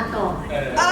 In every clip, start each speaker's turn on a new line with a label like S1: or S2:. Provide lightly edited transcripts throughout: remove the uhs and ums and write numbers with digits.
S1: ก่อน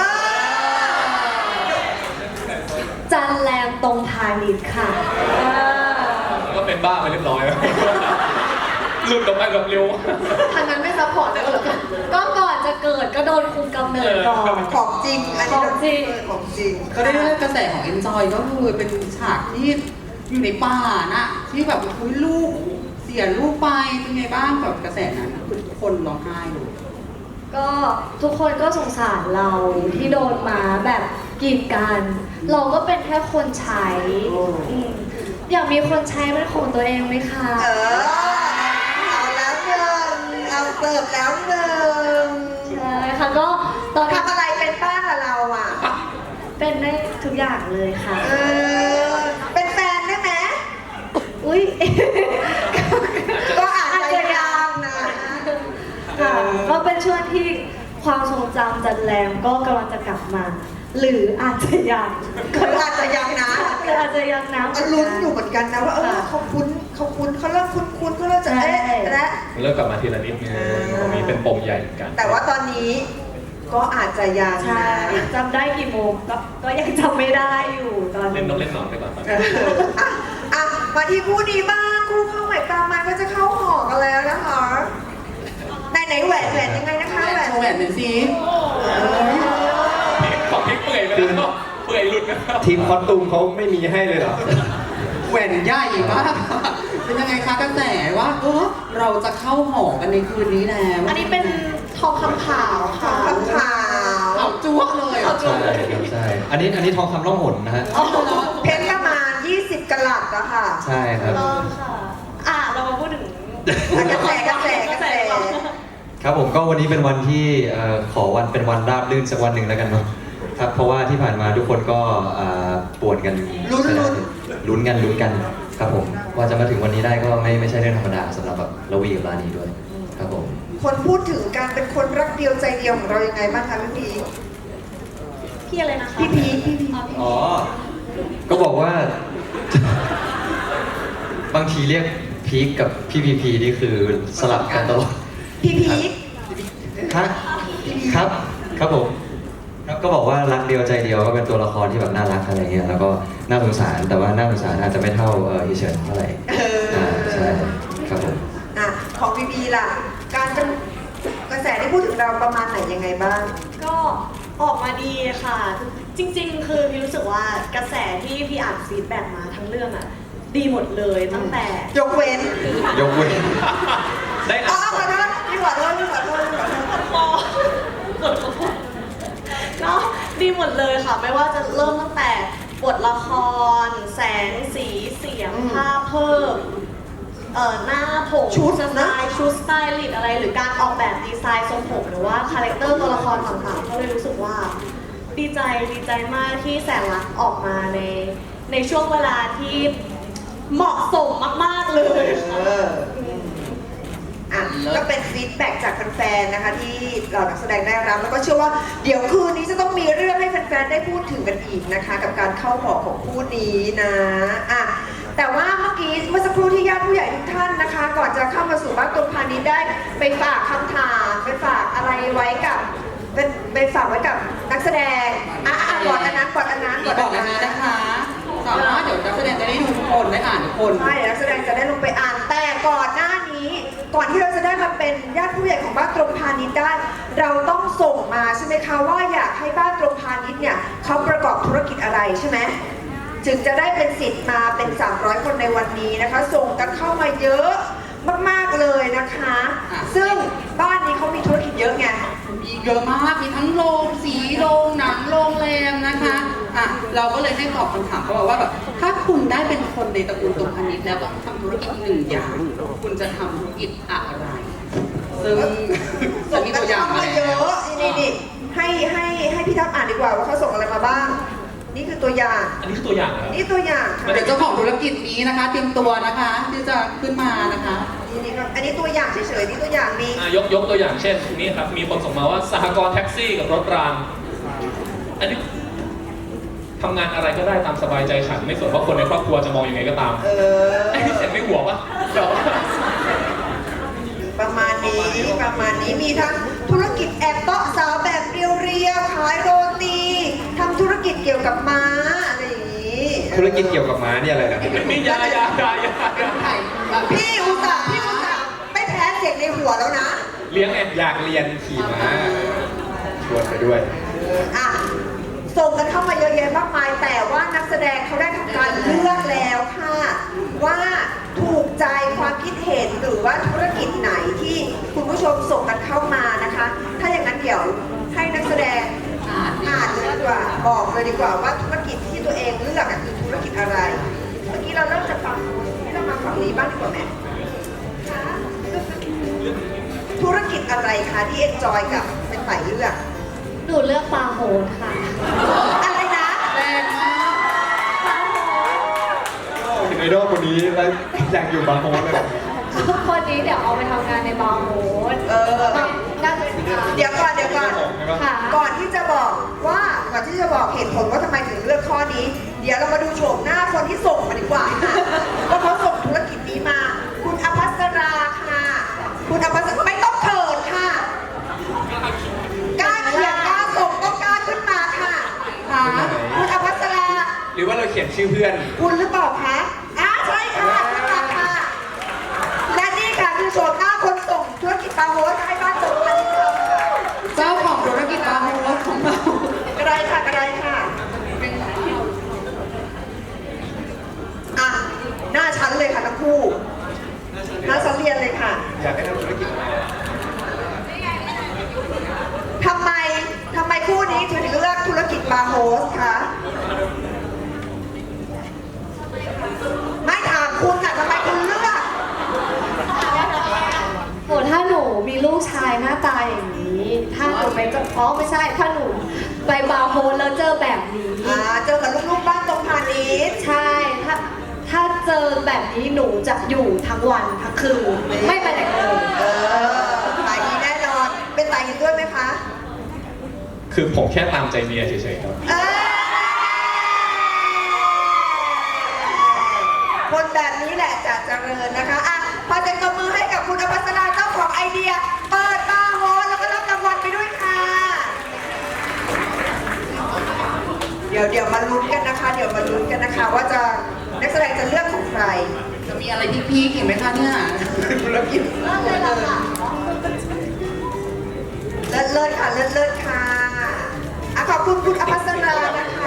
S1: จันแรมตรงพาณิชย์ค่ะ
S2: ก็เป็นบ้าไปเรียบร้อยแล้วหลุดออกมาแบบเร็ว
S3: ทางนั้นไม่ซัพพอร์ตเลยเหรอ
S1: ก็ก่อนจะเกิดก็โดนคุมกำเนิดก่อน
S3: ของจริงอันนี้
S1: ของจริง
S4: ก็ได้เรื่องกระแสของ Enjoy ก็คือเป็นฉากที่อยู่ในป่านะที่แบบคุยลูกเสียลูกไปเป็นไงบ้างกับกระแสนั้นคือทุกคนร้องไห้เลย
S1: ก็ทุกคนก็สงสารเราที่โดนมาแบบกีดกันเราก็เป็นแค่คนใช้อยากมีคนใช้เป็นของตัวเองไหมคะ
S3: เอาแล้วหนึ่งเอาเสิร์ฟแล้วหนึ่ง
S1: ใช่ค่ะก็ตอน
S3: ทำอะไรเป็นบ้างอะเราอ่ะ
S1: เป็นได้ทุกอย่างเลยค่ะ
S3: เป็นแฟนได้ไหม
S1: อุ้ย
S3: ก็อาจจะยังนะ
S1: ค่ะก็เป็นช่วงที่ความทรงจำจันแรมก็กำลังจะกลับมาหรืออาจจะยัง
S3: คืออาจจะยังนะ
S1: คืออาจจะยังนะ
S3: ลุ้นอยู่เหมือนกันนะว่าเขาคุ้นเขาเริ่มคุ้นเขาเริ่มจะและ
S2: เริ่มกลับมาทีละนิดไงตรงนี้เป็นปมใหญ่เหมือนกัน
S3: แต่ว่าตอนนี้ก็อาจจะยัง
S1: ใช่จำได้กี่โมงก็ยังจำไม่ได้อยู่ตอน
S2: เล่นนกเล่นหนอนไปก่อน
S3: มาที่คู่นี้บ้างคู่เข้าใหม่ปลามันก็จะเข้าหอกันแล้วนะคะไหนแหวนยังไงนะคะแหวน
S4: โชว์แหวนหน่อยสิ
S2: ของที่เปื่อยไปแล้วเปื่อยหลุดนะ
S5: ทีมคอสตูมเขาไม่มีให้เลยเหรอ
S4: แหวนใหญ่มากเป็นยังไงคะกระแสว่าเราจะเข้าหอกันในคืนนี้แล้ว
S1: อันนี้เป็นทองคำขาวค่ะ
S3: ทองคำขาว
S4: จ้วเลย
S5: ใช่ครับใช่อันนี้ทองคำล่องหนนะฮะ
S3: เพชรประมาณ20 กะรัตอะค่ะ
S5: ใช่ครับ
S1: ค่ะเรามาพูดถึง
S3: กระแส
S5: ครับผมก็วันนี้เป็นวันที่ขอวันเป็นวันราบรื่นสักวันหนึ่งแล้วกันเนาะครับเพราะว่าที่ผ่านมาทุกคนก็ปวดกันลุ้นกันครับผมว่าจะมาถึงวันนี้ได้ก็ไม่ใช่เรื่องธรรมดาสำหรับแบบระวีกับรานีด้วยครับผม
S3: คนพูดถึงการเป็นคนรักเดียวใจเดียวของเรายังไงบ้างคะ
S1: พี่อะไรนะคะ
S3: พี่พี
S5: อ๋อก็บอกว่าบางทีเรียกพีคกับพี่พีพีนี่คือสลับกันตลอด
S3: พี่พี
S5: ครับผมครับก็บอกว่ารักเดียวใจเดียวก็เป็นตัวละครที่แบบน่ารักอะไรเงี้ยแล้วก็น่าสงสารแต่ว่าน่าสงสารอาจจะไม่เท่าอีเฉินเท่าไหร่ใช่ครับผม
S3: ของพีพีล่ะการเป็นกระแสที่พูดถึงเราประมาณไหนยังไงบ้าง
S1: ก็ออกมาดีค่ะจริงๆคือพี่รู้สึกว่ากระแสที่พี่อ่านฟีดแบ็กมาทั้งเรื่องอ่ะดีหมดเลยตั้งแต่
S3: ยกเว้น
S2: ได้
S3: ขอโทษพี่ขอโทษ
S1: ก็ดีหมดเลยค่ะไม่ว่าจะเริ่มตั้งแต่บทละครแสงสีเสียงภาพเพิ่มหน้าผมชุดสไตล์ลิสอะไรหรือการออกแบบดีไซน์ทรงผมหรือว่าคาแรคเตอร์ตัวละครต่างๆก็เลยรู้สึกว่าดีใจมากที่แสนรักออกมาในช่วงเวลาที่เหมาะสมมากๆเลย
S3: ก็เป็นฟีดแบ็กจากแฟนๆนะคะที่เรานักแสดงได้รับแล้วก็เชื่อว่าเดี๋ยวคืนนี้จะต้องมีเรื่องให้แฟนๆได้พูดถึงกันอีกนะคะกับการเข้าหอของคู่นี้นะแต่ว่าเมื่อสักครู่ที่ญาติผู้ใหญ่ทุกท่านนะคะก่อนจะเข้ามาสู่บ้านตรงพาณิชย์ได้ไปฝากคำถามไปฝากอะไรไว้กับไปฝากไว้กับนักแสดงก่อนอันนั้น
S4: นะคะสามารถเดี๋ยวนักแสดงจะได้ดูทุกคนได้อ่านทุกคน
S3: ใช่นักแสดงจะได้ลงไปอ่านแต่ก่อนหน้านี้ก่อนที่เราจะได้มาเป็นญาติผู้ใหญ่ของบ้านตรงพาณิชย์ได้เราต้องส่งมาใช่ไหมคะว่าอยากให้บ้านตรงพาณิชย์เนี่ยเขาประกอบธุรกิจอะไรใช่ไหมจึงจะได้เป็นสิทธิ์มาเป็น300คนในวันนี้นะคะส่งกันเข้ามาเยอะมากๆเลยนะคะซึ่งบ้านนี้เขามีธุรกิจเยอะไง
S4: มีเยอะมากมีทั้งโรงสีโรงหนังโรงแรมนะคะเราก็เลยให้ตอบคำถามเขาบอกว่าแบบถ้าคุณได้เป็นคนในตระกูลตรงพาณิชย์แล้วต้องทำธุรกิจ1 อย่างคุณจะทำธุรกิจอะไรซึ่งจะมีตัวอย่างมา
S3: เยอะนี่ให้พี่ทัพอ่านดีกว่าว่าเขาส่งอะไรมาบ้างนี่คือตัวอย่าง
S2: อันนี้คือตัวอย่าง
S3: นี่ตัวอย่าง
S4: เดี๋ยวเจ้าของธุรกิจนี้นะคะเตรียมตัวนะคะที่จะขึ้นมานะคะ
S3: อันนี้ตัวอย่างเฉยๆนี่ตัวอย่างมี
S2: ยกตัวอย่างเช่นนี่ครับมีคนส่งมาว่าสหกรณ์แท็กซี่กับรถรางอันนี้ทำงานอะไรก็ได้ตามสบายใจฉันไม่สนว่าคนในครอบครัวจะมองยังไงก็ตามไอ้ที่เสร็จไม่หัวปะ
S3: ประมาณนี้มีทั้งธุรกิจแอบเตาะสาวแบบเรียกิจเกี่ยวกับม้าอะไรอย่างนี้
S5: ธุรกิจเกี่ยวกับม้าเนี่ยอะไรนะ
S2: นี่ยา
S4: ไข่แบบ
S3: พี่อุตส่าห์ไม่แพ้เสียงในหัวแล้วนะ
S2: เลี้ยงไง
S5: อยากเรียนขี่ม้าชวนไปด้วย
S3: อ่ะส่งกันเข้ามาเยอะแยะมากมาย แต่ว่านักแสดงเขาได้ทำการเลือกแล้วค่ะ ว่าถูกใจความคิดเห็นหรือว่าธุรกิจไหนที่คุณผู้ชมส่งกันเข้ามานะคะ ถ้าอย่างนั้นเดี๋ยวให้นักแสดงอ่านเลยดีกว่าบอกเลยดีกว่าว่าธุรกิจที่ตัวเองเลือกอะคือธุรกิจอะไร เมื่อกี้เราเริ่มจากฝั่งที่เรามาฝั่งนี้บ้างดีกว่าไหมธุรกิจอะไรคะที่เอนจอยกับเป็นฝ่ายเลือก
S1: หนูเลือกปลาโหดค่ะ
S3: อะไรนะ
S4: แรงมาก
S1: ปลาโหด
S5: ไอดอลคนนี้แล้วอยากอยู่บางโฮสเลย
S1: คนนี้เดี๋ยวเอาไปทำงานในบาร์โฮส น่าจะ
S3: เดี๋ยวก่อน
S1: ค่ะ
S3: ก่อนที่จะบอกเหตุผลว่าทำไมถึงเลือกข้อนี้ เดี๋ยวเรามาดูโฉมหน้าคนที่ส่งมาดีกว่าค่ะว่าเขาส่งธุรกิจนี้มา คุณอภัสราค่ะ คุณอภัสราไม่ต้องเขินค่ะกล้าเขียนกล้าส่งต้องกล้าขึ้นมาค่ะ
S4: ค่ะ
S3: คุณอภัสรา
S5: หรือว่าเราเขียนชื่อเพื่อน
S3: คุณหรือเปล่าคะใช่ค่ะขึ้นมาค่ะ และนี่ค่ะคือโฉมหน้าคนส่งธุรกิจปาโฮสให้บ้านส่งพันธุ์ค่ะ
S4: เจ้าของธุรกิจปลาโฮสของเรา
S3: กระไรค่ะอ่ะหน้าชั้นเลยค่ะทั้งคู่ หน้าชั้นเรียนเลยค่ะ
S5: อยากให้ทำธุรกิจอะไร
S3: ทำไมคู่นี้ถึงเลือกธุรกิจบาร์โฮสคะไม่ถามคุณค่ะทำไมคุณเลือก
S1: โหถ้าหนูมีลูกชายหน้าตาอย่างนี้ ถ้าหนูไปจะไม่ใช่ ถ้าหนูไปบาร์โฮสแล้วเจอแบบนี้
S3: เจอกับลูกๆบ้านตรงพาณิชย์
S1: ใช่ ถ้าเจอแบบนี้หนูจะอยู่ทั้งวันทั้งคืน ไม่ไปไหนเลย
S3: สายนี้แน่นอน เป็นสายนี้ด้วยไหมคะ
S2: คือผมแค่ตามใจเมียเฉยๆครับ
S3: คนแบบนี้แหละจะเจริญนะคะอ่ะพอจะกำมือให้กับคุณอภัสราเจ้าของไอเดีย เปิดบาร์โฮสแล้วก็รับรางวัลไปด้วยค่ะ เดี๋ยวมาลุ้นกันนะคะ ว่าจะนักแสดงจะเลือกของใคร
S4: จะมีอะไรที่พีคอีกไหมคะเนี่ย
S3: ธุรกิจ
S1: เลิกเลยล่ะค่ะ
S3: เลิศค่ะอ่ะขอบคุณคุณอภัสรานะคะ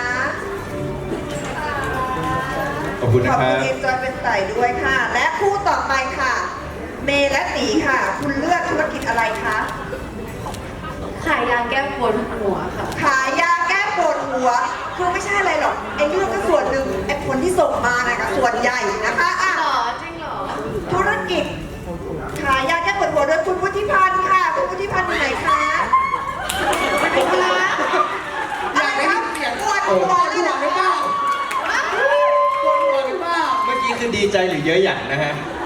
S5: ขอบคุณ
S3: ข
S5: นะ
S3: อบ
S5: ครั
S3: คุณ
S5: บ
S3: เอ็นจอยเป็นไต่ด้วยค่ะ และคู่ต่อไปค่ะ เมย์และตีค่ะ คุณเลือกธุรกิจอะไรคะ
S1: ขายยาแก้ปวดหัวค่ะ
S3: ขายยาแก้ปวดหัว คือไม่ใช่อะไรหรอกไอ้เรื่องก็ส่วนหนึ่งไอ้ผลที่ส่งมานะก็ส่วนใหญ่นะคะอ่ะ
S1: จริงเหรอ
S3: ธุรกิจ ขายยาแก้ปวดหัวโดยคุณวุฒิพันธ์ค่ะ คุณวุฒิพันธ์อยู่ไหนคะคุณละอะไรครับปวดหัวเลยเหรอ
S4: หรือเปล่าปวดหัวหรือเปล่า
S5: เมื่อกี้คือดีใจหรือเยอะหยันนะฮะ